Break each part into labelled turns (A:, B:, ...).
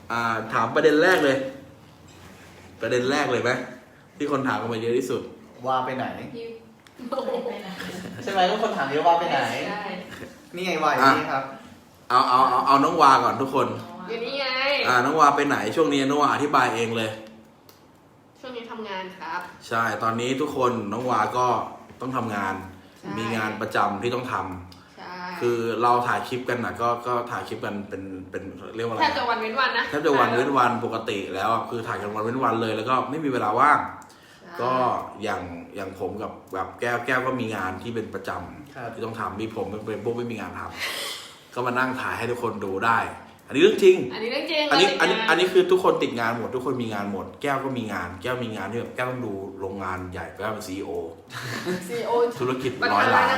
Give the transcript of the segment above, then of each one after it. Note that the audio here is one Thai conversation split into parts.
A: ถามประเด็นแรกเลยไหมที่คนถามกันมาเยอะที่สุด
B: ว่าไปไหนใช่ไหมทุกคนถามเยอะว่าไปไหนนี่ไงวาอยู่นี่ครับ
A: เอาน้องวาก่อนทุกคน
C: อยู่นี่ไง
A: น้องวาไปไหนช่วงนี้น้องวาอธิบายเองเลย
C: ช่วงนี้ทำงานครับ
A: ใช่ตอนนี้ทุกคนน้องวาก็ต้องทำงานมีงานประจำที่ต้องทำคือเราถ่ายคลิปกันนะก็ถ่ายคลิปกันเป็นเรียกว่าอะไร
C: แทบจะวันเว้นวันนะ
A: แทบจะวันเว้นวันปกติแล้วคือถ่ายกันวันเว้นวันเลยแล้วก็ไม่มีเวลาว่างก็อย่างผมกับแบบแก้วก็มีงานที่เป็นประจำที่ต้องทำมีผมเป็นพวกไม่มีงานทำก็มานั่งถ่ายให้ทุกคนดูได้อันนี้เรื่องจริง
C: อัน
A: นี้คือทุกคนติดงานหมดทุกคนมีงานหมดแก้วก็มีงานแก้วมีงานที่แบบแก้วต้องดูโรงงานใหญ่แก้วเป็นCEO ธุรกิจ100 ล้าน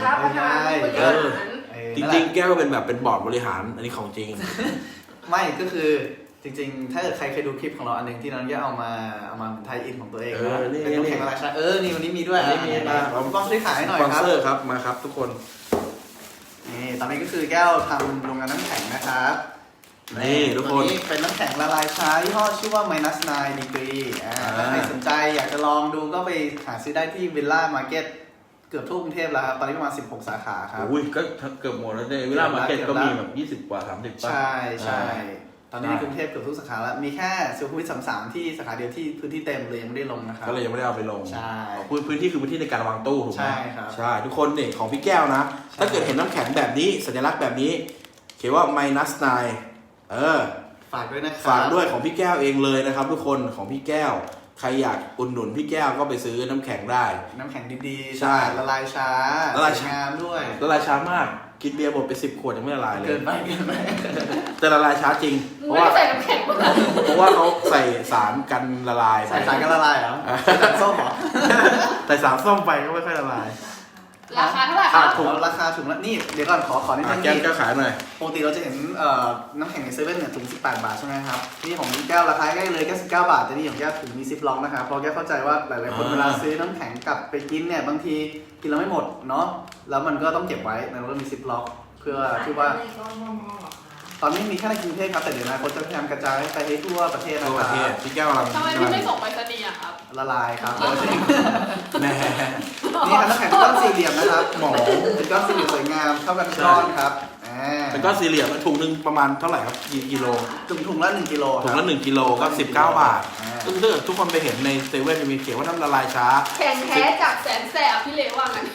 A: จริงๆแก้วก็เป็นแบบเป็นบอร์ดบริหารอันนี้ของจริง
B: ไม่ก็คือจริงๆถ้าเกิดใครเคยดูคลิปของเราอันนึงที่น้องแก้วเอามาไทยอินของตัวเองนะเป็นน้ำแข็งราชานี่วันนี้มีด้วย
A: นี่มีมา
B: เราต้องซื้อขายหน่อยครับ
A: สปอนเซอร์ครับมาครับทุกคน
B: นี่ตอนนี้ก็คือแก้วทำโรงงานน้ำแข็งนะครับ
A: นี่ทุกคน
B: นี่เป็นน้ำแข็งละลายช้ายี่ห้อชื่อว่า -9 degree ถ้าใครสนใจอยากจะลองดูก็ไปหาซื้อได้ที่วิลล่ามาร์เก็ตเกือบทั่วกรุงเทพแล้วครับตอนนี้ประมาณ16 สาขาครับ
A: อุ้ยก็เกือบหมดแล้วเนี่ยวิลล่ามาร์เก็ตก็มีแบบ20 กว่า30
B: ใช่ตอนนี้ในกรุงเทพเกือบทุกสาขาแล้วมีแค่สุขุมวิท33ที่สาขาเดียวที่พื้นที่เต็มเลยยังไม่ได้ลงนะครับ
A: ก็เลยยังไม่ได้เอาไปลง
B: ใช่
A: พื้นที่คือพื้นที่ในการวางตู้ถูกไหม
B: ใช่ครับ
A: ใช่ทุกคนเนี่ยของพี่แก้วนะถ้าเกิดเห็นน้ำแข็งแบบนี้สัญลักษณ์แบบนี้เขียนว่า -9
B: ฝากด้วยนะครับ
A: ฝากด้วยของพี่แก้วเองเลยนะครับทุกคนของพี่แก้วใครอยากอุดหนุนพี่แก้วก็ไปซื้อน้ำแข็งได้
B: น้ำแข็งดีๆ
A: ใช่
B: ละลายช้า
A: ละลายช้
B: างามด้วย
A: ละลายช้ามากกินเบียร์หมดไป10 ขวดยังไม่ละลายเลย
B: เกินไป
A: แต่ละลายช้าจริง
C: เพราะว่าใส่น้ำแข็ง
A: เพราะว่าเขาใส่สารกันละลาย
B: ใส่สารกันละลายเหรอสารส้มเหรอ
A: แต่สารส้มไปก็ไม่ค่อยละลาย
C: ราคาเท่าไหร่ครับ
B: ถุงราคาถุงละนี่เดี๋ยวก่อนขอนิดนึง
A: แก้วขายหน่อย
B: ปกติเราจะเห็นน้ำแข็งในเซเว่นเนี่ยถุง18 บาทใช่ไหมครับนี่ของแก้วราคาใกล้เลยแค่19 บาทแต่นี่ของแก้วถุงมีซิปล็อกนะครับเพราะแก้วเข้าใจว่าหลายๆคนเวลาซื้อน้ำแข็งกลับไปกินเนี่ยบางทีกินแล้วไม่หมดเนาะแล้วมันก็ต้องเก็บไว้มันก็มีซิปล็อกเพื่อที่ว่าตอนนี้มีแค่ในกรุงเทพครับแต่เดี๋ยวนะคนจะพยายามกระจายไปให้ทั่วประเทศนะครับ
A: พี่แก้วเรา
C: ทำไมพี่ไม่ส่งไปสนีย์ครับ
B: ละลายครับ
A: แน่
B: นี่ครับน้ำแข็งก้อนสี่เหลี่ยมนะครับหมอเป็นก้อนสี่เหลี่ยมสวยงามเข้ากันก้อนครับ
A: เป็นก้อนสี่เหลี่ยมถุงนึงประมาณเท่าไหร่ครับกี่กิโล
B: ถุงละ1 กิโล
A: ถุงละ1 กิโลก็19 บาทซึ่งถ้าเกิดทุกคนไปเห็นในเซเว่นจะมีเขียนว่าน้ำละลายช้า
C: แข็งแท้จากแสนแสบพี่เล่ว่างั้น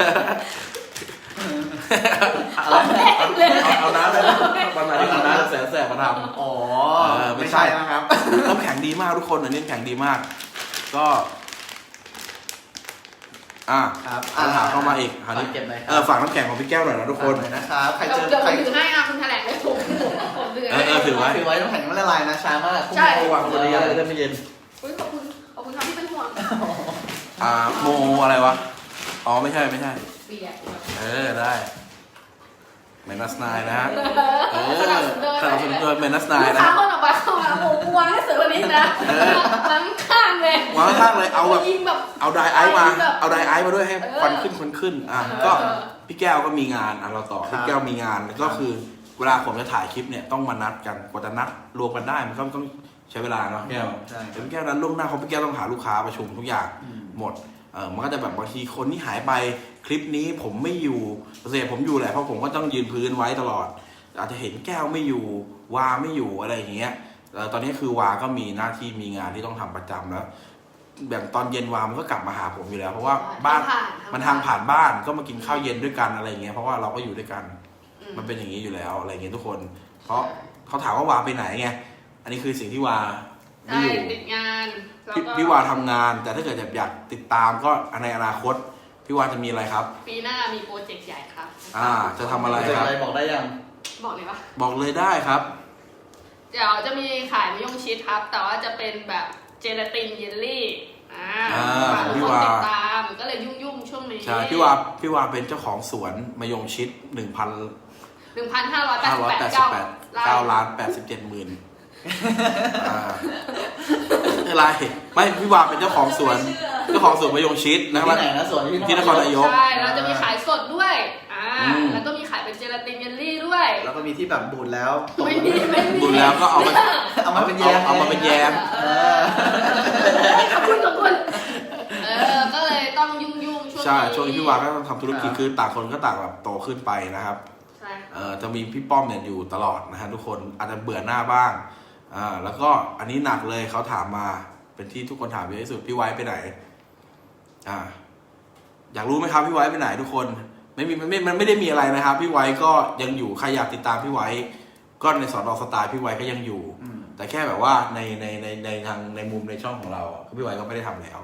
A: เอาน้ำเลยประมาณนี้เอาน้ำแสบมาทำ
B: ไม่ใช่นะครับ
A: น้ำแข็งดีมากทุกคนอันนี้น้ำแข็งดีมากก็
B: ครับ
A: ถามเข้ามาอีก
B: เก็บหน่อย
A: ฝากน้ำแข็งของพี่แก้วหน่อยนะทุกคน
B: นะครับใครเจอ
C: ใครถือให้คุณแถลงเลยผม
A: ถือไว้
B: น้ำแข็งไม่ละลายนะช้ามาก
C: ใช่
A: วางบนนี้อะไรได้ไม่เย็น
C: ขอบคุณครับที่เป็นห่วง
A: โมอะไรวะอ๋อไม่ใช่ได้-9นะฮะสนับสนุนโดย-9นะ
C: คนออกมาเข้ามาโอ้วางให้เสือวันนี้นะวางข้างเลยว
A: างข้างเลยเอาแบบเอาไดไอซ์มาด้วยให้ควันขึ้นก็พี่แก้วก็มีงานเราต่อพี่แก้วมีงานก็คือเวลาผมจะถ่ายคลิปเนี่ยต้องมานัดกันกว่าจะนัดรวมกันได้มันก็ต้องใช้เวลาเนาะแก้วพี่แก้วนั้นล่วงหน้าเขาพี่แก้วต้องหาลูกค้าประชุมทุกอย่างหมดมันก็จะแบบบางทีคนที่หายไปคลิปนี้ผมไม่อยู่เสียผมอยู่แหละเพราะผมก็ต้องยืนพื้นไว้ตลอดอาจจะเห็นแก้วไม่อยู่วาไม่อยู่อะไรอย่างเงี้ยตอนนี้คือวาก็มีหน้าที่มีงานที่ต้องทำประจำแล้วแบบตอนเย็นวามันก็กลับมาหาผมอยู่แล้วเพราะว่าบ้านมันทางผ่านบ้านก็มากินข้าวเย็นด้วยกันอะไรอย่างเงี้ยเพราะว่าเราก็อยู่ด้วยกันมันเป็นอย่างนี้อยู่แล้วอะไรอย่างเงี้ยทุกคนเพราะเขาถามว่าวาไปไหนไงอันนี้คือสิ่งที่วา
C: ไม่อยู่ติดงาน
A: พี่วาทำงานแต่ถ้าเกิดอยากติดตามก็ในอนาคตพี่วาจะมีอะไรครับ
C: ปีหน้ามีโปรเจกต์ใหญ่ครับ
A: จะทำอะไรครับ
B: บอกได้ยัง
C: บอกเลยปะ
A: บอกเลยได้ครับ
C: เดี๋ยวจะมีขายมะยงชิดครับแต่ว่าจะเป็นแบบเจลาตินเยลลี่
A: พี่วา
C: ติดตามก็เลยยุ่งช่วงนี้
A: ใช่พี่วาเป็นเจ้าของสวนมะยงชิด1,587,9,087,000อะไรไม่พี่วาเป็นเจ้าของสวนมะยงชิดนะครับที่นครนายก
C: ใช่เราจะมีขายสดด้วยแล้วก็มีขายเป็นเจลาตินเยลลี่ด้วย
B: แล้วก็มีที่แบบบูดแล้ว
C: ไม่มี
A: บูดแล้วก็เอา
B: มาเป็นแยม
A: เอามาเป็นแยม
C: ขอบคุณก็เลยต้องยุ่งช่วงนี้
A: ใช่ช่วงนี้พี่วาก็ต้องทำธุรกิจคือต่างคนก็ต่างแบบโตขึ้นไปนะครับ
C: ใช่
A: จะมีพี่ป้อมเนี่ยอยู่ตลอดนะฮะทุกคนอาจจะเบื่อหน้าบ้างแล้วก็อันนี้หนักเลยเขาถามมาเป็นที่ทุกคนถามเยอะที่สุดพี่ไว้ไปไหนอยากรู้ไหมครับพี่ไว้ไปไหนทุกคนมันไม่ได้มีอะไรนะครับพี่ไว้ก็ยังอยู่ใครอยากติดตามพี่ไว้ก็ในสอนอสไตล์พี่ไว้ก็ยังอยู่แต่แค่แบบว่าในทางในมุมในช่องของเราพี่ไว้ก็ไม่ได้ทำแล้ว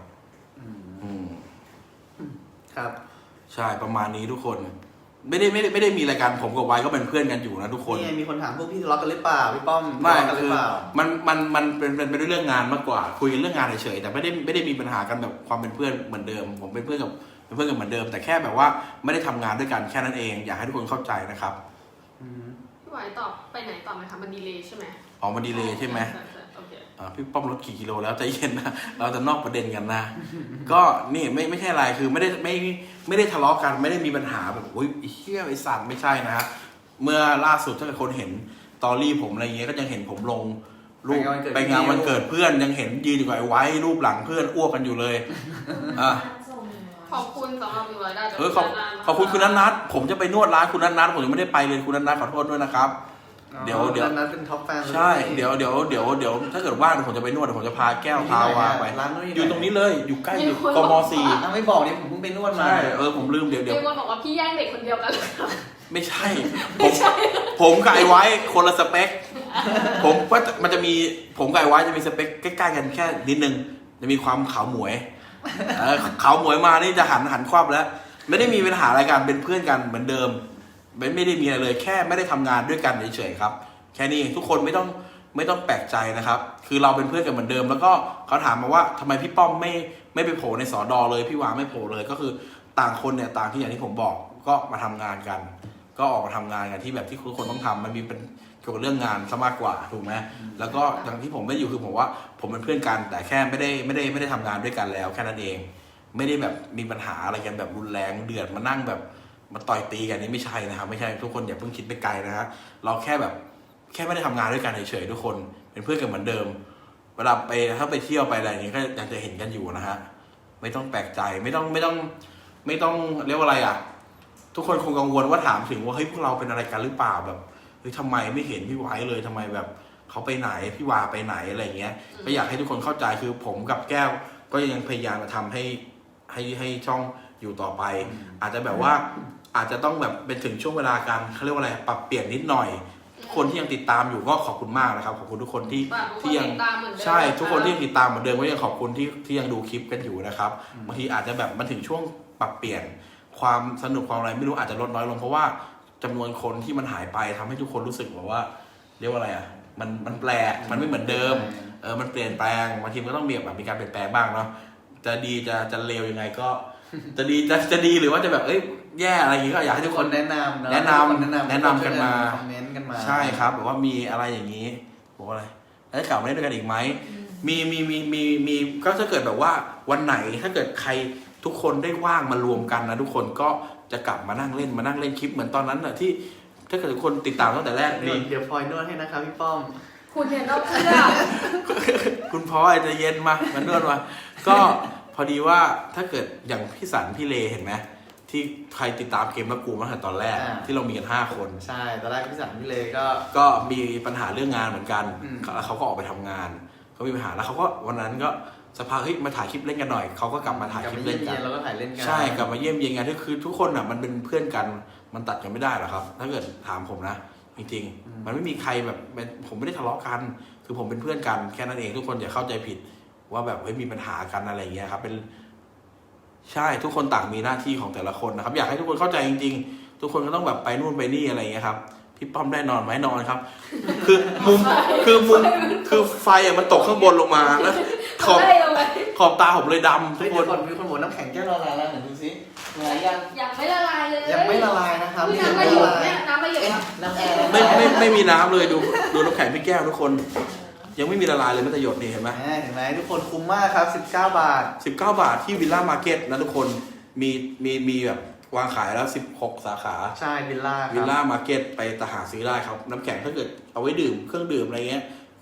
B: ครับ
A: ใช่ประมาณนี้ทุกคนไม่ได้มีอะไรกันผมกับไว้ก็เป็นเพื่อนกันอยู่นะทุกคน
B: นี่มีคนถามพวกพี่ทะเลาะกันหรือเปล่าพี่ป้อม
A: ไม่
B: ทะเลาะกันหรื
A: คือ
B: อเปล่า
A: มันเป็นเรื่องงานมากกว่าคุยกันเรื่องงานเฉยๆแต่ไม่ได้มีปัญหากันแบบความเป็นเพื่อนเหมือนเดิมผมเป็นเพื่อนกันเหมือนเดิมแต่แค่แบบว่าไม่ได้ทำงานด้วยกันแค่นั้นเองอยากให้ทุกคนเข้าใจนะครับ
C: พี่ไหวตอบไปไหนต่อไหมคะมันดีเลย์ใช่ไหม
A: มันดีเลย์ใช่ไหมพี่ป้อมลดกี่กิโลแล้วใจเย็นนะเราจะนอกประเด็นกันนะก็นี่ไม่ใช่อะไรคือไม่ได้ทะเลาะกันไม่ได้มีปัญหาแบบโอ้ยเฮี้ยไอ้สัตว์ไม่ใช่นะฮะเมื่อล่าสุดถ้าเกิดคนเห็นตอรี่ผมอะไรเงี้ยก็ยังเห็นผมลงรูปไปงานวันเกิดเพื่อนยังเห็นยืนอยู่กับไอ้ไว้รูปหลังเพื่อนอ้วกกันอยู่เลย
C: ขอบคุณสำหรับ100ได้
A: ขอบคุณคุณนัทผมจะไปนวดร้านคุณนัทผมยังไม่ได้ไปเลยคุณนัทขอโทษด้วยนะครับเดี๋ยว
B: นัทเป็นท็อปแฟน
A: ใช่เดี๋ยวถ้าเกิดว่างผมจะไปนวดผมจะพาแก้วพาวาไปอยู่ตรงนี้เลยอยู่ใกล้อยู่กม.4
B: ไม่บอกเนี่ยผมเพิ่งไปนวดมา
A: ใช่ผมลืมเดี๋ยว
C: มีคนบอกว่าพี่แย่งเด็กคนเดียวกันเลย
A: ไม่ใช่ผมกับไอ้ไว้คนละสเปคผมว่ามันจะมีผมกับไอ้ไว้จะมีสเปคใกล้ๆกันแค่นิดนึงจะมีความขาวหมวยขาวหมวยมานี่จะหันควับแล้วไม่ได้มีปัญหาอะไรกันเป็นเพื่อนกันเหมือนเดิมไม่ได้มีอะไรเลยแค่ไม่ได้ทำงานด้วยกันเฉยๆครับแค่นี้ทุกคนไม่ต้องแปลกใจนะครับคือเราเป็นเพื่อนกันเหมือนเดิมแล้วก็เขาถามมาว่าทำไมพี่ป้อมไม่ไปโผล่ในสอดอเลยพี่วาไม่โผล่เลยก็คือต่างคนเนี่ยต่างที่อย่างที่ผมบอกก็มาทำงานกันก็ออกมาทำงานกันที่แบบที่ทุกคนต้องทำมันมีเป็นเกี่ยวกับเรื่องงานซะมากกว่าถูกไหมแล้วก็อย่างที่ผมไม่อยู่คือผมว่าผมเป็นเพื่อนกันแต่แค่ไม่ได้ทำงานด้วยกันแล้วแค่นั้นเองไม่ได้แบบมีปัญหาอะไรกันแบบรุนแรงเดือดมานั่งแบบมาต่อยตีกันนี่ไม่ใช่นะครับไม่ใช่ทุกคนอย่าเพิ่งคิดไปไกลนะฮะเราแค่ไม่ได้ทำงานด้วยกันเฉยๆทุกคนเป็นเพื่อนกันเหมือนเดิมเวลาถ้าไปเที่ยวไปอะไรอย่างนี้ก็ยังจะเห็นกันอยู่นะฮะไม่ต้องแปลกใจไม่ต้องเรียกว่าอะไรอ่ะทุกคนคงกังวลว่าถามถึงว่าเฮ้ยพวกเราเป็นอะไรกันหรือเปล่าแบบเฮ้ยทำไมไม่เห็นพี่ไว้เลยทำไมแบบเขาไปไหนพี่วาไปไหนอะไรเงี้ยก็อยากให้ทุกคนเข้าใจคือผมกับแก้วก็ยังพยายามจะทำให้ช่องอยู่ต่อไปอาจจะแบบว่าอาจจะต้องแบบเป็นถึงช่วงเวลาการเขาเรียกว่าอะไรปรับเปลี่ยนนิดหน่อยคนที่ยังติดตามอยู่ก็ขอบคุณมากนะครับขอบคุณทุกคนที่ยังใช่ทุกคนที่ยังติดตามเหมือนเดิมก็ยังขอบคุณที่ยังดูคลิปกันอยู่นะครับบางทีอาจจะแบบมันถึงช่วงปรับเปลี่ยนความสนุกความอะไรไม่รู้อาจจะลดน้อยลงเพราะว่าจำนวนคนที่มันหายไปทำให้ทุกคนรู้สึกแบบว่าเรียกว่าอะไรอ่ะมันแปลกมันไม่เหมือนเดิมมันเปลี่ยนแปลงบางทีก็ต้องมีการเปลี่ยนแปลงบ้างเนาะจะดีจะเลวยังไงก็จะดีหรือว่าจะแบบแย่อะไรอย่างงี้ก็อยากให้ทุกคน
B: แนะนำ
A: กันมา
B: คอมเมนต์กันมา
A: ใช่ครับแบบว่ามีอะไรอย่างนี้บอกอะไรแล้วกลับมาเล่นด้วยกันอีกไหมมีก็ถ้าเกิดแบบว่าวันไหนถ้าเกิดใครทุกคนได้ว่างมารวมกันนะทุกคนก็จะกลับมานั่งเล่นคลิปเหมือนตอนนั้นน่ะที่ถ้าเกิดทุกคนติดตามตั้งแต่แรกนี่
B: เดี๋ยวพลอยนวดให้นะครับพี่ป้อม
C: คุณเห็นเราเพื่อ
A: คุณพลอยจะเย็นมานวดมาก็พอดีว่าถ้าเกิดอย่างพี่สันพี่เลเห็นไหมที่ใครติดตามเกมแล้วกูมาตั้งแต่ตอนแรกที่เรามีกัน5 คน
B: ใช่ตอนแรกพี่สันพี่เล
A: ก็มีปัญหาเรื่องงานเหมือนกันแล้วเขาก็ออกไปทำงานเขามีปัญหาแล้วเขาก็วันนั้นก็สภาเฮ้ยมาถ่ายคลิปเล่นกันหน่อยเขาก็กลับมาถ่ายคลิปเล่นกัน
B: แล้วก็ถ่ายเล่นกัน
A: ใช่กลับมาเยี่ยมเยียนกันคือทุกคนอ่ะมันเป็นเพื่อนกันมันตัดกันไม่ได้หรอกครับถ้าเกิดถามผมนะจริงๆมันไม่มีใครแบบผมไม่ได้ทะเลาะกันคือผมเป็นเพื่อนกันแค่นั้นเองทุกคนอย่าเข้าใจผิดว่าแบบเฮ้ยมีปัญหากันอะไรอย่างเงี้ยครับเป็นใช่ทุกคนต่างมีหน้าที่ของแต่ละคนนะครับอยากให้ทุกคนเข้าใจจริงๆทุกคนก็ต้องแบบไปนู่นไปนี่อะไรอย่างเงี้ยครับพี่ป้อมได้นอนไหมนอนครับคือมุมคือไฟอ่ะมันตกข้างบนลงมาแล้วขอบตาผมเลยดำทุกคน
B: มีคนบอกน้ำแข็งแก้วละลายแล้วดูซิ
C: ยังไม่ละลายเลย
B: ยังไม่ละลายนะครับ
C: น้ำไม่หยุดเนี่ยน้ำไม่หยุด
B: น้ำแอร์
A: ไม่มีน้ำเลยดูน้ำแข็งพี่แก้วทุกคนยังไม่มีละลายเลยแม้แต่หยดนี่เห็นไหม
B: ทุกคนคุ้มมากครับ19 บาท
A: ที่วิลล่ามาร์เก็ตนะทุกคนมีแบบวางขายแล้ว16 สาขา
B: ใช่วิลล่า
A: มาร์เก็ตไปหาซื้อได้ครับน้ำแข็งถ้าเกิดเอาไว้ดื่มเครื่องดื่มอะไรเงี้ย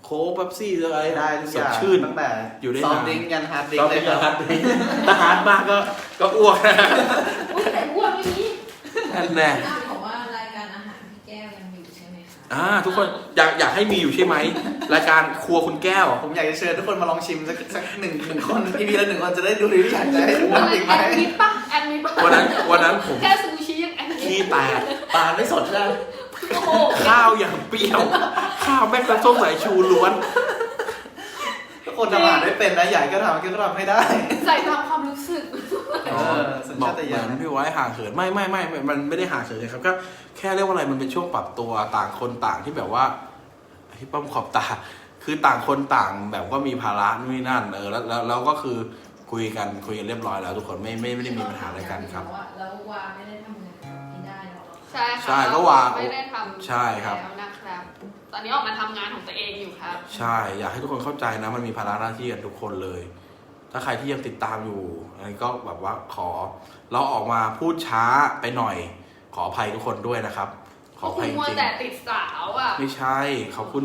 A: โค้กเป๊ปซี่อะไร
B: ได้ทุกอ
A: สด
B: ย่าง
A: ชื่น
B: ตั้งแต่
A: อยู่ได้
B: ซอฟ
A: นาน
B: ต์ดริงก์ยันฮาร์ดดริง
A: ก็
B: ก์เล
A: เป็
B: ย
A: น
B: ค
A: กา
B: รั
A: ร
B: บ
A: ฮัดถ้าฮาร์ดมากก็อ้วกนะ
C: อุ้ยแต่อ้วนไม่มี
A: นั่นแน่
D: บอกว่ารายการอาหารพี่แก้วยังอยู่ใช่ไหมคะ
A: ทุกคนอยากให้มีอยู่ใช่ไหมรายการครัวคุณแก้ว
B: ผมอยากจะเชิญทุกคนมาลองชิมสักหนึ่งคนพี่ละ1 คนจะได้ดูรีวิวอยากจะให้ดู
C: วัน
B: ทำอีกไหม
C: แอดมิดปะแอดมิดปะ
A: วันนั้นผม
C: แค่ซูชิยังแอดมิด
A: ขี้แตก
B: ปลาไม่สดใช่ไหม
C: โอ้โห
A: ข้าวอย่างเปรี้ยว ข้าวแม่งเป็นส้มสายชูล้วน
B: ทุกคนทำอาหารได้เป็นนะใหญ่ก็ทำให้ได้
C: ใส่ตามความรู้สึก
B: สัญ
A: บอ
B: ชาก ต
A: เห
B: ญา
A: มือ
B: ณ
A: นพี่ไว้ห่างเหินไม่มันไม่ได้ห่างเหินเลยครับก็แค่เรียกว่าอะไรมันเป็นช่วงปรับตัวต่างคนต่างที่แบบว่าพี่ป้อมขอบตา คือต่างคนต่างแบบว่ามีภาระนู่นนี่นั่นแล้วก็คือคุยกันเรียบร้อยแล้ว ทุกคนไม่ได้มีปัญหาอะไรกันครับ
D: แล้ววาไม่ได้ทำงานกับพี่ได้แล้วเหรอ
C: ใช่ค่ะ
A: ใช่ก็วาง
C: ไม่ได้ทำ
A: ใช่ครับ
C: แล้วนะครับ ตอนนี้ออกมาทำงานของตัวเองอยู่ครับ
A: ใช่อยากให้ทุกคนเข้าใจนะมันมีภาระหน้าที่กันทุกคนเลย ถ้าใครที่ยังติดตามอยู่อันนี้ก็แบบว่าเราออกมาพูดช้าไปหน่อย ขออภัยทุกคนด้วยนะครับ ขออ
C: คุ
A: ภัย
C: ณ
A: จ
C: มัว
A: ริง
C: แต่ติดสาวอ่ะ
A: ๆไม่ใช่ขอบคุณ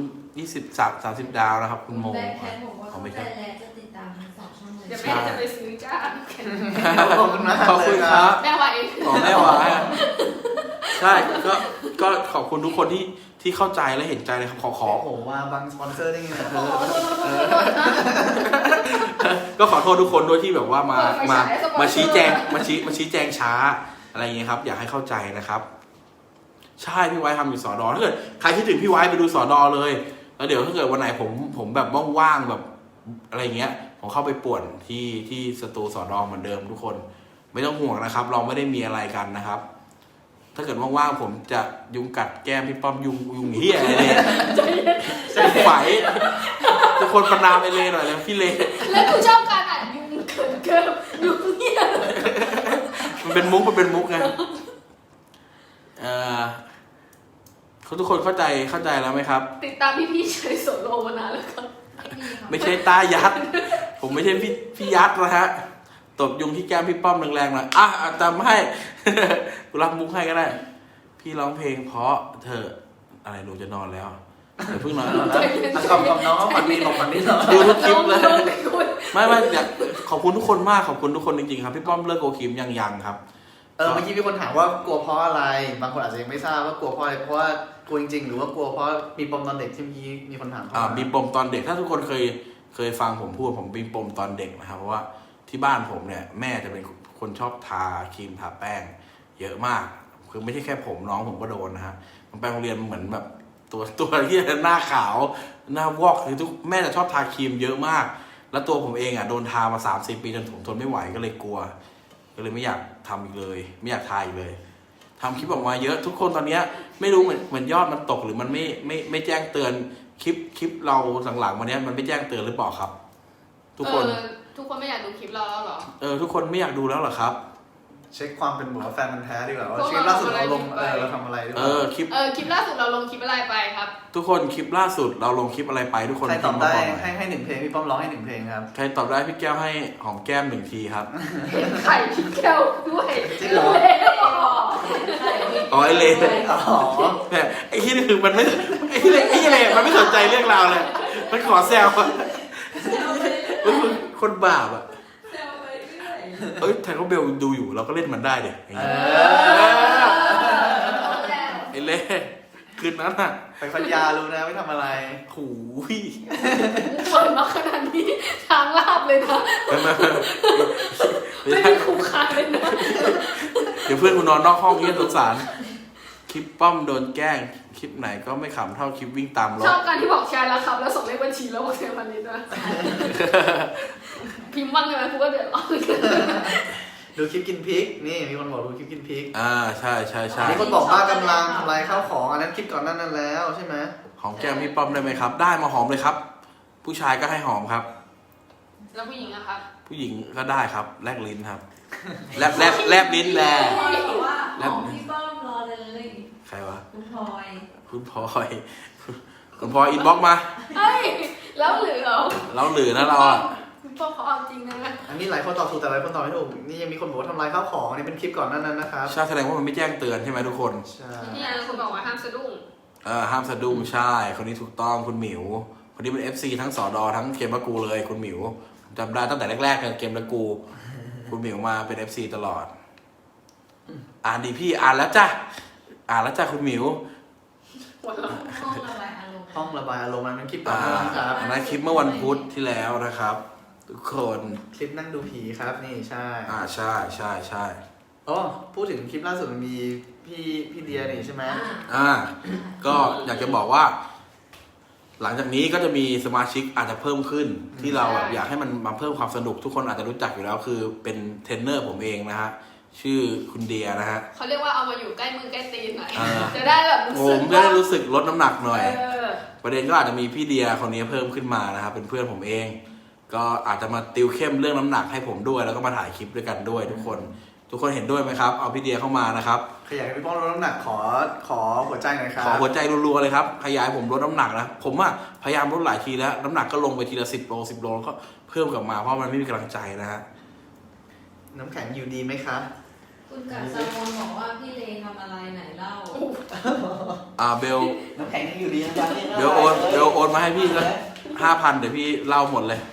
A: 30 ดาวนะครับ คุณโม
D: ได้แค่บอกว่า
A: อ๋อไม่
D: แต่
A: ใช่
D: แล้วจะติดตามทั้ง2 ช่องเลย
C: เดี๋ยวแม่จะไปซื้อจ้า
B: ขอบคุณมาก
A: ขอบคุณครับ
C: แม่ว่าเอง
A: ของแม่หวายอะใช่ก็ขอบคุณทุกคนที่เข้าใจและเห็นใจเลยครับขอ
B: โอ้โหมาบังสปอนเซอร์ได้ไง
C: โอ้โหโทษนะ
A: ก็ขอโทษทุกคนด้วยที่แบบว่ามาชี้แจงมาชี้แจงช้าอะไรอย่างเงี้ยครับ อยากให้เข้าใจนะครับ ใช่พี่ไว้ทำอยู่สอดอถ้าเกิดใครคิดถึงพี่ไว้ไปดูสอดอเลยแล้วเดี๋ยวถ้าเกิดวันไหนผมแบบว่างๆแบบอะไรเงี้ยผมเข้าไปป่วนที่สตูสอดอเหมือนเดิมทุกคนไม่ต้องห่วงนะครับ เราไม่ได้มีอะไรกันนะครับ ถ้าเกิดว่างๆผมจะยุงกัดแก้มพี่ป้อมยุงเหี้ยอะไรเนี่ยไฝทุกคนประนามไปเลยหน่อยเลยพี่เล
C: แล้วกูชอบการอ่านยุงเกินยุงเหี้ย
A: มันเป็นมุกไงทุกคนเข้าใจแล้วไหมครับ
C: ติดตามพี่ๆเฉยโซโลมานานแล้วครับ
A: ไม่ใช่ตายัด ผมไม่ใช่พี่ยัดนะฮะตบยุงที่แก้มพี่ป้อมแรงๆหน่อยจำให้ กูรับมุกให้ก็ได้ พี่ร้องเพลงเพราะเธออะไรหนูจะนอนแล้วเดี๋ยวเพิ่งนอน
B: ขอบน้องฝันดีบอกฝันดีเนาะ
A: ดูทุกคลิปเลย
C: น้องไม่คุย
A: ไม่อยากขอบคุณทุกคนมากขอบคุณทุกคนจริงๆครับพี่ป้อมเลิกโกคิมยังครับ
B: เมื่อกี้มีคนถามว่ากลัวเพราะอะไร บางคนอาจจะยังไม่ทราบว่ากลัวเพราะอะไรเพราะว่ากลัวจริงๆหรือว่ากลัวเพราะมีปมตอนเด็กที่เมื่อกี้มีคนถามเข้ามา
A: มีปมตอนเด็กถ้าทุกคนเคยฟังผมพูดผมมีปมตอนเด็กนะครับเพราะว่าที่บ้านผมเนี่ยแม่จะเป็นคนชอบทาครีมทาแป้ง เยอะมากคือไม่ใช่แค่ผมน้องผมก็โดนนะฮะมันไปโรงเรียนเหมือนแบบตัวที่หน้าขาวหน้าวอกคือทุกแม่จะชอบทาครีมเยอะมาก แล้วตัวผมเองโดนทามา30 ปีจนผมทนไม่ไหวก็เลยกลัวก็เลยไม่อยากทำอีกเลย ไม่อยากทาอีกเลยทำคลิปออกมาเยอะทุกคนตอนนี้ไม่รู้เหมือนยอดมันตกหรือมันไม่แจ้งเตือนคลิปเราหลังๆวันนี้มันไม่แจ้งเตือนหรือเปล่าครับ ทุกคน
C: ทุกคนไม่อยากดูคลิปเราแล้วเหรอ
A: ทุกคนไม่อยากดูแล้วเหรอครับ
B: เช็คความเป็นแฟนมันแท้ดีกว่าว่าคลิปล่าสุดเราลงเราทำอะไรด้วย
A: คลิป
C: คลิปล่าสุดเราลงคลิปอะไรไปครับ
A: ทุกคนคลิปล่าสุดเราลงคลิปอะไรไปทุกคน
B: ใครตอบได้
A: พิมพ์มาบอกหน่อย
B: ให้1 เพลงพี่ป้อมร้องให้1 เพลงครับ
A: ใครตอบได้พี่แก้วให้หอมแก้ม1 ทีครับ
C: เห็นไข่พี่แก้วด้วย
B: จริงเหรอ
A: อ๋อไอเล่
B: อ๋อ
A: เนี่ยไอ้ที่นี่คือมันไม่ไอ้ที่เล่มันไม่สนใจเรื่องราวเลยมันขอแซวอะมันคือคนบาปอะแทนก็เบลดูอยู่เราก็เล่นมันได้เด็กอย่างเงี้ยไอ้เล่คืนนั้นอะ
B: ไปพัทยารู้นะไม่ทำอะไร
A: หูย
C: เปิดมาขนาดนี้ทางลาบเลยนะ
A: ไม่
C: ไม่
A: ใช่
C: มีคุ้มค่าเลยนะ
A: เดี๋ยวเพื่อนกูนอนนอกห้องเงี้ยสงสารคลิปป้อมโดนแกล้งคลิปไหนก็ไม่ขำเท่าคลิปวิ่งตามร
C: ช
A: ถ
C: อบการที่บอกแชร์แล้วครับ แล้วส่งเลขบัญชีแล้วบอกแชร์พันนี้ด้วยพิมพ์บ้างเลยไหมกูก็เดือดร้อน
B: ดูคลิปกินพริกนี่มีคนบอกดูคลิปกินพริก
A: ใช่
B: มีคนบอกว่ากำลังทำลายข้าวของอันนั้นคลิปก่อนนั้นแล้วใช่ไหม
A: หอมแก้มพี่ป้อมได้ไหมครับ ได้มาหอมเลยครับ ผู้ชายก็ให้หอมครับ
C: แล้วผู้หญิงอะครับ
A: ผู้หญิงก็ได้ครับแลบลิ้นครับแลบลิ้นแล
D: บอกว่าของพี่ป้อมรอเลย
A: ใครวะ
D: คุณพลอย
A: คุณพลอยอินบ็อกมา
C: เฮ้ย แล้วเหลือ
A: เราหรือนะเราอ่ะ
C: คุณพ่อเขาเอาจริงนะ
B: อันนี้หลายคนตอบถูกแต่หลายคนตอบไม่ถูกนี่ยังมีคนบอกว่าทำลายข้าวของอันนี้เป็นคลิปก่อนนั้นนะครับ
A: ใช่แสดงว่ามันไม่แจ้งเตือนใช่ไหมทุกคน
B: ใช่
C: นี่คุณบอกว่าห้ามสะดุ้ง
A: ห้ามสะดุ้งใช่คนนี้ถูกต้องคุณหมิวคคนนี้เป็น FC ทั้งสอดอทั้งเกมละกูเลยคุณหมิวจำได้ตั้งแต่แรกๆเลยเกมละกูคุณหมิวมาเป็น FC ตลอดอ่านดีพี่อ่านแล้วจ้ะคุณหมิว
D: ห้องระบายอารมณ์
B: ห้องระบายอารมณ์มันเป็นคลิปต่อเนื่องครับ
A: อันนั้นคลิปเมื่อวันพุธที่แล้วนะครับ ทุกคน
B: คลิปนั่งดูผีครับนี่ใช่
A: ใช่
B: อ๋อพูดถึงคลิปล่าสุดมันมีพี่เดียนี่ใช่ไหม
A: ก็อยากจะบอกว่า หลังจากนี้ก็จะมีสมาชิกอาจจะเพิ่มขึ้น ที่เราแบบอยากให้มันมาเพิ่มความสนุกทุกคนอาจจะรู้จักอยู่แล้วคือเป็นเทรนเนอร์ผมเองนะฮะชื่อคุณเดียนะฮะ
C: เขาเรียกว่าเอามาอยู่ใกล้มือใกล้ตีนหน่อย
A: อ่า
C: จะได้แบบ
A: ผ
C: รู้สึ
A: ม
C: ก
A: จะได้รู้สึกลดน้ำหนักหน่อย
C: เ
A: ประเด็นก็อาจจะมีพี่เดียคนนี้เพิ่มขึ้นมานะครับเป็นเพื่อนผมเอง ก็อาจจะมาติวเข้มเรื่องน้ำหนักให้ผมด้วยแล้วก็มาถ่ายคลิปด้วยกันด้วยทุกคนเห็นด้วยไหมครับเอาพี่เดียเข้ามานะครับ
B: ใครอยากให้พี่ป้องลดน้ำหนักขอหัวใจหน่อยครับ
A: ขอหัวใจรัวๆเลยครับขยายผมลดน้ำหนักนะผมว่าพยายามลดหลายทีแล้วน้ำหนักก็ลงไปทีละ10 โลแล้วก็เพิ่มกลับมาเพราะมันไม่มีกำลังใจนะฮะ
B: น้ำแข็งอยู่ดีไหมคะ
D: คุณกัดซามอนบอกว่าพี่เลทำอะไรไหนเล่า
A: เบล
B: น้ำแข็งยังอยู่ดีนะจ๊ะ
A: เบลโอนมาให้พี่สัก5,000เดี๋ยวพี่เล่าหมดเลย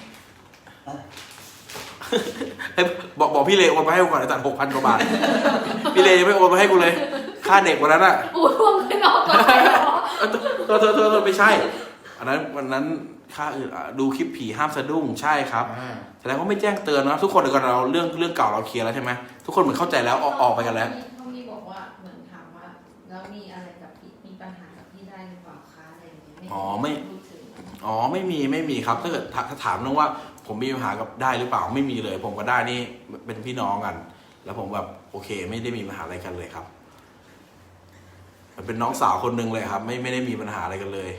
A: บอกพี่เลโอนมาให้กูก่อนไอ้ตัด6,000 กว่าบาทพี่เลยังไม่โอนมาให้กูเลยค่าเด็กวันนั้นอ่ะ
C: อู้ท่วงไม่นอกก่อนเหรอ
A: โทษไม่ใช่อันนั้นวันนั้นค่าอื่นดูคลิปผีห้ามสะดุ้งใช่ครับแสดงว่าไม่แจ้งเตือนนะทุกคนเดี๋ยวก่อนเราเรื่องเก่าเราเคลียร์แล้วใช่ไหมทุกคนเหมือนเข้าใจแล้วออกไปกันแล้ว
D: เขามีบอกว่าเหมือนถามว่าแล้วมีอะไรกับพี่มีปัญหากับพี่ได้หรือเปล่าคะอะไรอย่างเงี้ยพูดถึง
A: ไม่มีครับถ้าเกิดถ้าถามเรื่องว่าผมมีปัญหากับได้หรือเปล่าไม่มีเลย ผมกับได้นี่เป็นพี่น้องกัน แล้วผมแบบโอเค ไม่ได้มีปัญหาอะไรกันเลยครับมันเป็นน้องสาวคนหนึ่งเลยครับ ไม่ได้มีปัญหาอะไรกันเลย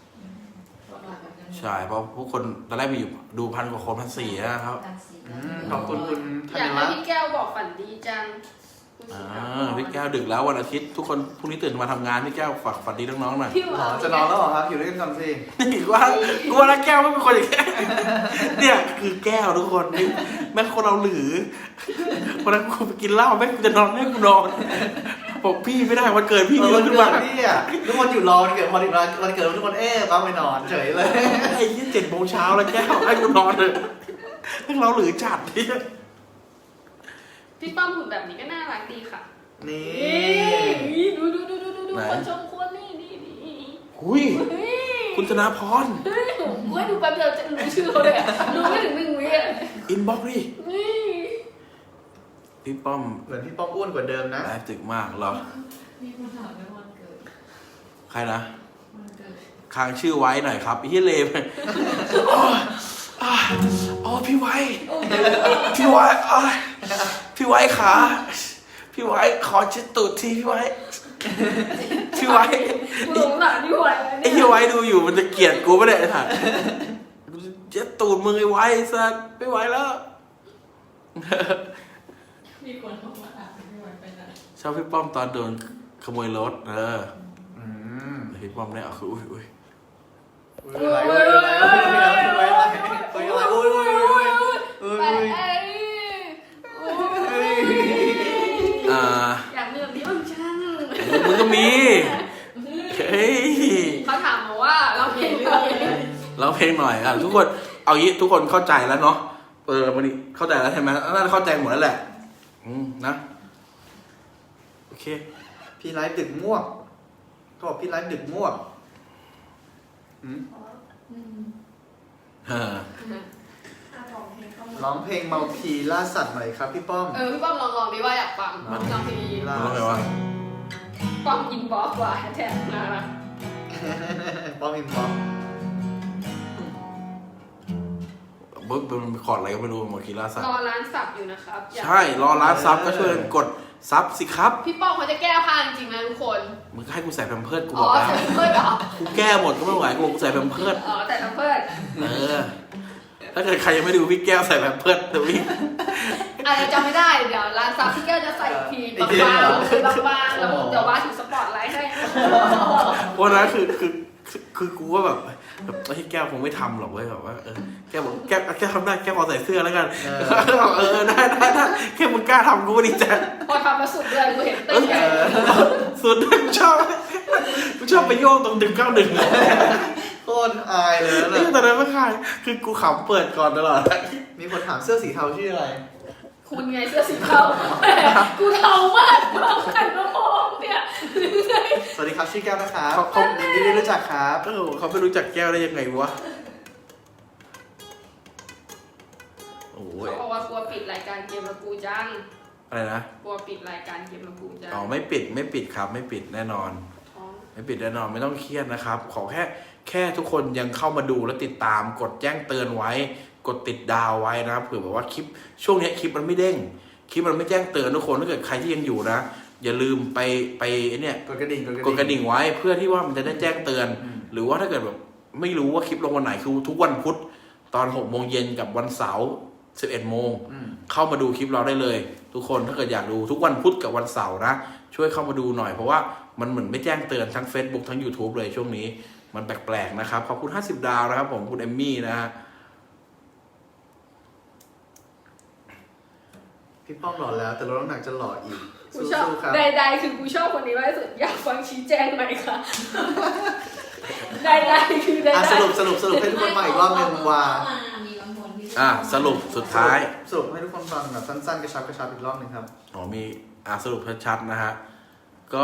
A: ใช่เพราะพวกคนตอนแรกมีอยู่ดู1,000 กว่าคน1,400นะครับ
B: ขอบคุณคุณธั
C: อยา
B: ญ
C: กให้
B: รัตน์
C: พี่แก้วบอกฝันดีจัง
A: พี่แก้วดึกแล้ววันอาทิตย์ทุกคนพรุ่งนี้ตื่นมาทำงานพี่แก้วฝากฝันดีน้องๆหน่อย
C: พี่ห
B: หร
C: วา
B: อน จะนอนแล้วเหรอครับอยู่ด้วยกันก่อนสิ
A: นี่ว่าแล้วแก้วไม่เป็นคนอย่างนี้เนี่ยคือแก้วทุกคนนี่แม่งคนเราหรือวันนั้นกูไปกินเหล้าแม่งกูจะนอนแม่งกูนอนบอกพี่ไม่ได้วันเกิดพี่
B: วั
A: เยอะ
B: น
A: ขึ้น
B: เกิ
A: มา
B: ดพี่อ่ะทุกคนอยู่รอวันเกิดพอถึงวันเกิดทุกคนต้องไปนอนเฉยเลย
A: ไอ้ยี่7 โมงเช้าแล้วแก้วให้กูนอนเลยแม่งเราหรือจัดเนี่ย
C: พี่ป้อมหุ่นแบบนี้ก็น่ารักดีค่ะ
B: นี่
C: นี่ดูคนชมคนนี่
A: หุยคุณธนาพร
C: เฮ้ยผมว่าดูแป๊บเดียวจะรู้ชื่อเขาเลยอะรู้ไม่ถึง1 วิอ่ะ
A: อินบ็อกซ์ดิ
C: นี่
A: พี่ป้อม
B: เหมือนพี่ป้องอ้วนกว่าเดิมนะ
A: ไลฟ์ตึกมากเหรอ
D: มีคนถามเรื่องวันเกิด
A: ใครนะ
D: วันเกิด
A: ค้างชื่อไว้หน่อยครับพี่เลมอ๋อพี่ไว้พี่ไว้พี่ไว้ขาพี่ไว้ขอเช็ดตูดทีพี่ไว้พี่ไว้
C: กูหลงหลานพี่ไว้
A: ไอ้พี่ไว้ดูอยู่มันจะเกลียดกูไม่ได้ถ่ะเช็ดตูดมึงไอ้ไว้สัสไม่ไหวแล้ว
D: มีคนบอกว่าถามพี่วันไปไหน
A: ชอบพี่ป้อมตอนโดนขโมยรถ
B: อืม
A: พี่ป้อมเนี่ยคืออุ้ย
C: ไปอยากเลือกนี้บ้างช่าง
A: มึงก็มีเฮ้ย
C: เขาถามมาว่าเราเพลงอะไร
A: ร้องเพลงหน่อยทุกคนเอางี้ทุกคนเข้าใจแล้วเนาะวันนี้เข้าใจแล้วใช่ไหมน่าจะเข้าใจหมดแล้วแหละนะโอเค
B: พี่ไลฟ์ดึกม่วงเขาบอกพี่ไลฟ์ดึกม่วง ร้องเพลงเมาพีล่าสัตว์หน่อยครับพี่ป้อม
C: พี่ป้อมลองดิว่าอยากฟังลองที
A: ร้องไงวะ
C: ป้อมอินบ็อกซ์ว่ะแท็กมาละ
B: ป้อมอินบ็อกซ์
A: บึ๊บเป็นคอร์ดอะไรก็ไม่รู้หมดกีฬาสัต
C: ร
A: ว์
C: อร้านสับอยู่นะครับ
A: ใช่รอร้านซับก็ช่วยกดซับสิครับ
C: พี่ป้อมเขาจะแก้ผ้าจริงๆนะทุกคน
A: มึงให้กูใส่แพมเพิร์ดกู
C: อ๋
A: บ
C: อ
A: อกแล้ว
C: ใส่เพื่อนเหรอ
A: กูแก้หมดก็ไม่ไหวกูใส่แพมเพิร์ด
C: อ๋อแต่เพื่อน
A: ถ้าเกิดใครยังไม่ดูพี่แก้วใส่แพมเพิร์ดเดี๋ยวพี่
C: อะไรจำไม่ได้เดี๋ยวร้านซับพี่แก้วจะใส่พีบางๆแล้วเดี๋ยวว่าถึงสปอร์ตไลท์ให้
A: วันนั้นคือกูว่าแบบไอ้แก้วคงไม่ทำหรอกเว้ยแบบว่าแก้วบอกแก้วทำได้แก้วขอใส่เสื้อแล้วกันได้แค่มึงกล้าทำกูก็ดีใจ
C: พอทำมาสุดเลยกูเห็นเต้นใหญ่
A: สุดกูชอบไปโยกตรง191
B: โคตรอายเลยนะ
A: นี่ตอนนั้นไม่ขายคือกูขำเปิดก่อนตลอด
B: มีคนถามเสื้อสีเทาชื่ออะไร
C: คุณไงเสื้อสีเทาแหมกูเทามากเราใครมามองเนี่ย
B: สวัสดีครับชื่อแก้วนะครับ
A: เขา
B: ยินดีได้รู้จักครับ
A: เขาไม่รู้จักแก้วได้ยังไงวะโอ้ย
C: เขาบอกว่ากลัวปิดรายการเกมละกูจัง
A: อะไรนะ
C: กลัวปิดรายการเกมละกูจัง
A: อ๋อไม่ปิดครับไม่ปิดแน่นอน
C: ท้อง
A: ไม่ปิดแน่นอนไม่ต้องเครียดนะครับ ขอแค่ทุกคนยังเข้ามาดูและติดตามกดแจ้งเตือนไว้ กดติดดาวไว้นะครับเผื่อแบบว่าคลิปช่วงนี้คลิปมันไม่เด้งคลิปมันไม่แจ้งเตือนทุกคนถ้าเกิดใครที่ยังอยู่นะอย่าลืมไปเนี่ย
B: กดกระดิ่ง
A: กดกระดิ่งไว้เพื่อที่ว่ามันจะได้แจ้งเตือน หรือว่าถ้าเกิดแบบไม่รู้ว่าคลิปลงวันไหนคือทุกวันพุธตอน6 โมงเย็นกับวันเสาร์11 โมงเข้ามาดูคลิปเราได้เลย ทุกคนถ้าเกิดอยากดูทุกวันพุธกับวันเสาร์นะช่วยเข้ามาดูหน่อยเพราะว่ามันเหมือนไม่แจ้งเตือนทั้ง Facebook ทั้ง YouTube เลยช่วงนี้มันแปลกๆนะครับขอบคุณ50 ดาวนะครับผมคุณเอมมี่นะฮะ
B: พี่ป้อมหล่อแล้วแต่ลดน้ำหนักจะหล่ออีก
C: กูชอบ
B: สู้ๆครับ
C: ใดๆคือกูชอบคนนี้มากที่สุดอยากฟังชี้แจงหน่อยค่ะใดๆคือใด
B: สรุปให้ทุกคนมาอีกรอบหนึ่งว่า
D: มีบางคนที่
A: สรุปสุดท้าย
B: สรุปให้ทุกคนฟังแบบสั้นๆกระชับอีกรอบหนึ่งครับ
A: มีสรุปชัดๆนะฮะก็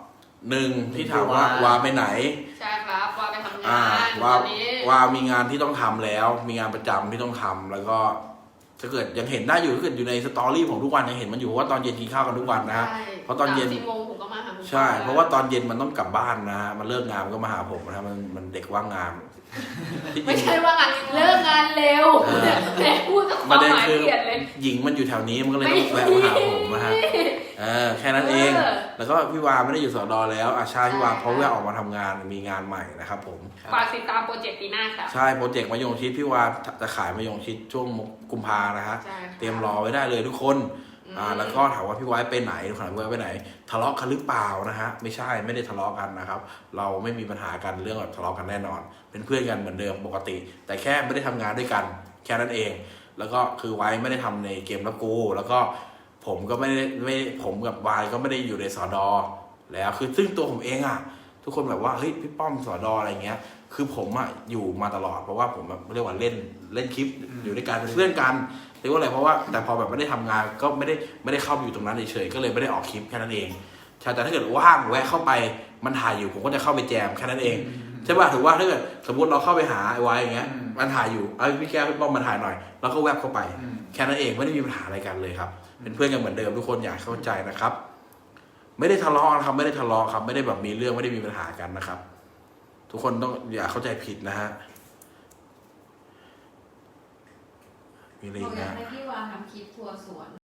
A: 1ที่ถามว่าวาไปไหน
C: ใช่ครับว่าไปทำงาน
A: ว่า
C: ตอนนี้
A: ว่ามีงานที่ต้องทำแล้ว มีงานประจำที่ต้องทำแล้วก็ถ้าเกิดยังเห็นได้อยู่ถ้าเกิดอยู่ในสตอรี่ของทุกวันยังเห็นมันอยู่เพราะว่าตอนเย็นกินข้าวกันทุกวันนะฮะ
C: ใช่
A: เพราะตอนเย็น
C: 3-4 โมงผมก็มาหาคุณ
A: ใช่เพราะว่าตอนเย็นมันต้องกลับบ้านนะฮะมันเลิกงานมันก็มาหาผมนะฮะมันเด็กว่างงานที่จ
C: ไม่
A: ริง
C: ใช่ว่างานเลิกงานเร็วแต่พูดกับค
A: ป
C: วา
A: ระ
C: ม
A: เด็น
C: หมาย
A: คือ
C: เปลี่ยนเลย
A: หญิงมันอยู่แถวนี้มันก็เลยต้องแวะมาหาผมนะฮะแค่นั้นเอง แล้วก็พี่วาไม่ได้อยู่สอดอแล้วอาชาพี่วาเขาแวะออกมาทำงานมีงานใหม่นะครับผม
C: ฝากติดตามโปรเจกต์ปีหน้าค่ะ
A: ใช่โปรเจกต์มะยงชิดพี่วาจะขายมะยงชิดช่วงกุมภานะฮะ
C: ใช่ค่ะ
A: เตรียมรอไว้ได้เลยทุกคนแล้วก็ถามว่าพี่ไว้ไปไหนถามพี่ไว้ไปไหน ทะเลาะกันหรือเปล่านะฮะไม่ใช่ไม่ได้ทะเลาะกันนะครับเราไม่มีปัญหากันเรื่องแบบทะเลาะกันแน่นอน เป็นเพื่อนกันเหมือนเดิมปกติ แต่แค่ไม่ได้ทำงานด้วยกันแค่นั้นเอง แล้วก็คือไว้ไม่ได้ทำในเกมละกูแล้วก็ผมก็ไม่ผมกับวายก็ไม่ได้อยู่ในสอดอแล้วคือซึ่งตัวผมเองอ่ะทุกคนแบบว่าเฮ้ยพี่ป้อมสอดออะไรเงี้ยคือผมอ่ะอยู่มาตลอดเพราะว่าผมแบบเรียกว่าเล่นคลิปอยู่ด้วยกันเป็นเพื่อนกันเรียกว่าอะไรเพราะว่าแต่พอแบบไม่ได้ทำงานก็ไม่ได้เข้าไปอยู่ตรงนั้นเฉยๆก็เลยไม่ได้ออกคลิปแค่นั้นเองใช่แต่ถ้าเกิดว่างแวะเข้าไปมันถ่ายอยู่ผมก็จะเข้าไปแจมแค่นั้นเองใช่ป่ะถือว่าถ้าเกิดสมมติเราเข้าไปหาไอ้ไว้อย่างเงี้ยมันถ่ายอยู่พี่แก้วพี่ป้อมมาถ่ายหน่อยแล้วก็แวบเข้าไปแค่นั้นเองไม่ได้มีปัญหาอะไรกันเลยครับเป็นเพื่อนกันเหมือนเดิมทุกคนอยากเข้าใจนะครับไม่ได้ทะเลาะนะครับไม่ได้ทะเลาะครับไม่ได้แบบมีเรื่องไม่ได้มีปัญหากันนะครับทุกคนต้องอย่าเข้าใจผิดนะฮะมีอะไร
D: บอ
A: อี
D: ก
A: ก
D: อยา
A: นะ
D: กให้พี่วาทำคลิปทัวร์สวน